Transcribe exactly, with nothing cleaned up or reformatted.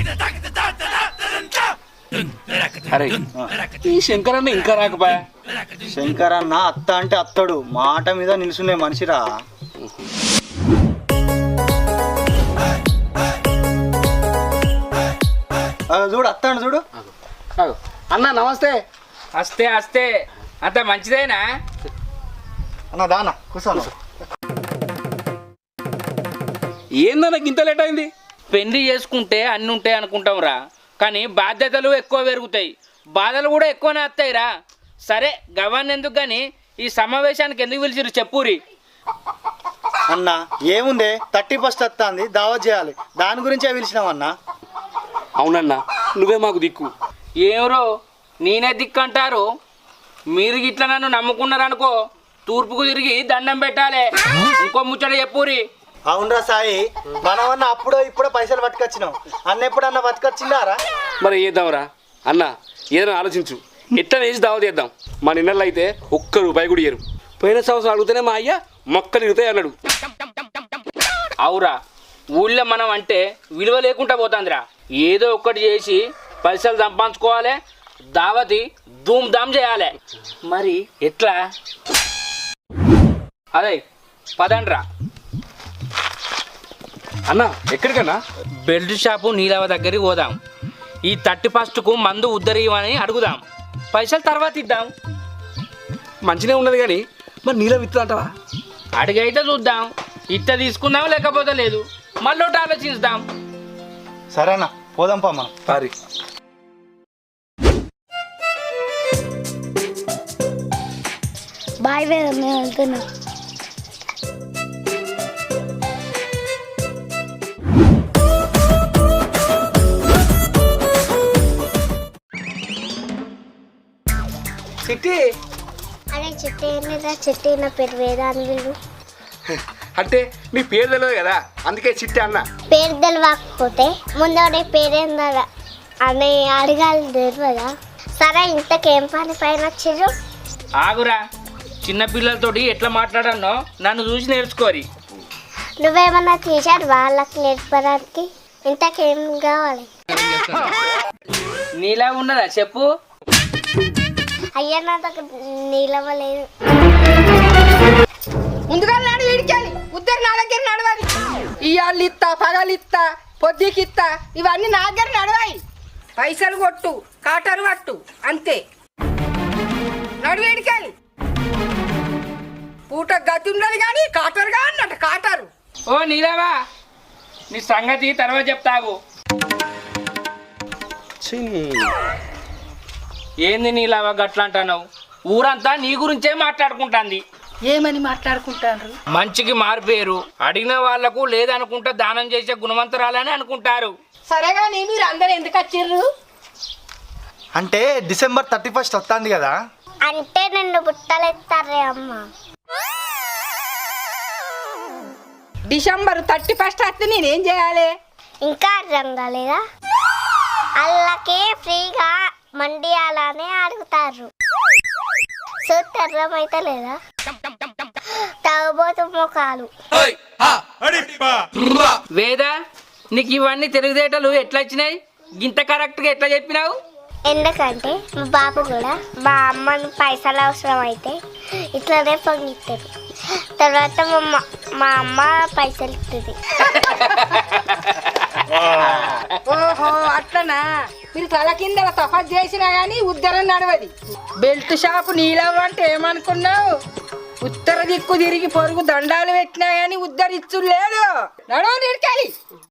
అరే ఈ శంకరన్న ఇంకా రాకపోయా? శంకరన్న అత్త అంటే అత్తడు, మాట మీద నిలుసునే మనిషిరా. చూడు అత్తాడు చూడు. అన్న నమస్తే. వస్తే వస్తే అంత మంచిదేనా అన్న దానా కూర్చోను. ఏందన్న ఇంత లేట్ అయింది? పెళ్లి చేసుకుంటే అన్ని ఉంటాయి అనుకుంటాం రా, కానీ బాధ్యతలు ఎక్కువ పెరుగుతాయి, బాధలు కూడా ఎక్కువనే వస్తాయి రా. సరే గవర్న ఎందుకు కానీ ఈ సమావేశానికి ఎందుకు పిలిచిరు చెప్పురి. అన్న ఏముందే థర్టీ ఫస్ట్ వస్తుంది, దావత్ చేయాలి, దాని గురించే పిలిచినామన్నా. అవునన్నా నువ్వే మాకు దిక్కు. ఏమరో నేనే దిక్కు అంటారు, మీరు ఇట్లా నన్ను నమ్ముకున్నారనుకో తూర్పుకు తిరిగి దండం పెట్టాలి. ఇంకో ముచ్చట చెప్పురి. అవునరా సాయి, మనమన్నా అప్పుడో ఇప్పుడో పైసలు పట్టుకొచ్చినాం, అన్న ఎప్పుడన్నా పట్టుకొచ్చిందారా? మరి చేద్దాంరా అన్న, ఏదైనా ఆలోచించు, ఎట్లా వేసి దావా చేద్దాం. మా నిన్నల్లో అయితే ఒక్క రూపాయి కూడా ఇయ్యరు. పోయిన సంవత్సరం అడిగితేనే మా అయ్య మొక్కలు ఇరుగుతాయి అన్నాడు. అవురా, ఊళ్ళో మనం అంటే విలువ లేకుండా పోతుందిరా. ఏదో ఒక్కటి చేసి పైసలు సంపాదించుకోవాలి, దావతి ధూమ్ ధామ్ చేయాలి. మరి ఎట్లా? అదే పదండ్రా. అన్న ఎక్కడికన్నా? బెల్ట్ షాపు నీలవ దగ్గరికి పోదాం. ఈ థర్టీ ఫస్ట్కు మందు ఉద్దరియమని అడుగుదాం, పైసలు తర్వాత ఇద్దాం. మంచిగా ఉన్నది కానీ మరి నీళ్ళ విత్తు అంటావా? అడిగైతే చూద్దాం, ఇట్ట తీసుకుందాం లేకపోతే లేదు, మళ్ళీ ఒకటి ఆలోచిస్తాం. సరేనా పోదాంపా మనం. పారి బాయ్ వేరే మేము వెళ్తున్నాం. చిట్టి అరే చిట్టి ఏంటిదా? చిట్టి నా పేరు వేద అని వీళ్ళు అంటే నీ పేరు తెలియదు కదా, అందుకే చిట్టి అన్న. పేరు తెలియకపోతే ముందు పేరేందా అని అడగాలి, తెలియదా? సరే ఇంతకేం పని పైన వచ్చారు? ఆగురా, చిన్న పిల్లలతోటి ఎట్లా మాట్లాడానో నన్ను చూసి నేర్చుకోరి. నువ్వేమన్నా తీశాడు వాళ్ళకి నేర్పడానికి? ఇంతకేం కావాలి? నీలా ఉన్నదా చెప్పు. అయ్యా నా దగ్గర నీలవ్వలేదు. ముందుగా నాడు వీడికెళ్ళి ఉద్దరు నా దగ్గర నడవాలి. ఇవాళ్ళు ఇత్తా, పగలు ఇత్తా, పొద్దుకి ఇత్తా, ఇవన్నీ నా దగ్గర నడవాయి. పైసలు కొట్టు, కాటరు పట్టు, అంతే. నడు వీడికెళ్ళి. పూట గతి ఉండదు కానీ కాటరుగా అన్నట్టు కాటరు. ఓ నీలావా, నీ సంగతి తర్వాత చెప్తావు. ఏంది నీలావా గట్లా అంటున్నావు? ఊరంతా నీ గురించే మాట్లాడుకుంటాంది. ఏమని మాట్లాడుకుంటారు? మంచికి మారిపోయారు, అడిగిన వాళ్లకు లేదనుకుంటా దానం చేసే గుణవంతరాలని అనుకుంటారు. సరేగా నీ మీరు అందరు ఎందుకు వచ్చిర్రు? అంటే డిసెంబర్ థర్టీ ఫస్ట్ వస్తుంది కదా. అంటే నిన్ను బుట్టలెత్తారే అమ్మ. డిసెంబర్ థర్టీ ఫస్ట్ వస్తే నేనేం చేయాలి? ఇంకా అర్థం కాలేదా? అల్లకే ఫ్రీగా మండియాలనే అడుగుతారు. చూస్తే అర్థమైతే లేదా? తాగబోతు ముఖాలు. వేద, నీకు ఇవన్నీ తెలివితేటలు ఎట్లా వచ్చినాయి? ఇంత కరెక్ట్గా ఎట్లా చెప్పినావు? ఎందుకంటే మా బాబు కూడా మా అమ్మను పైసలు అవసరం అయితే ఇట్లానే పొంగిస్తారు, తర్వాత మా మా అమ్మ పైసలు ఇస్తుంది. ఓహో అట్లనా? మీరు తల కింద తఫాత్ చేసినా గానీ ఉత్తరం నడవది. బెల్ట్ షాపు నీలవ్వ అంటే ఏమనుకున్నావు? ఉత్తర దిక్కు తిరిగి పొరుగు దండాలు పెట్టినా గానీ ఉద్దరిచ్చు లేదు. నడవ నిడికాలి.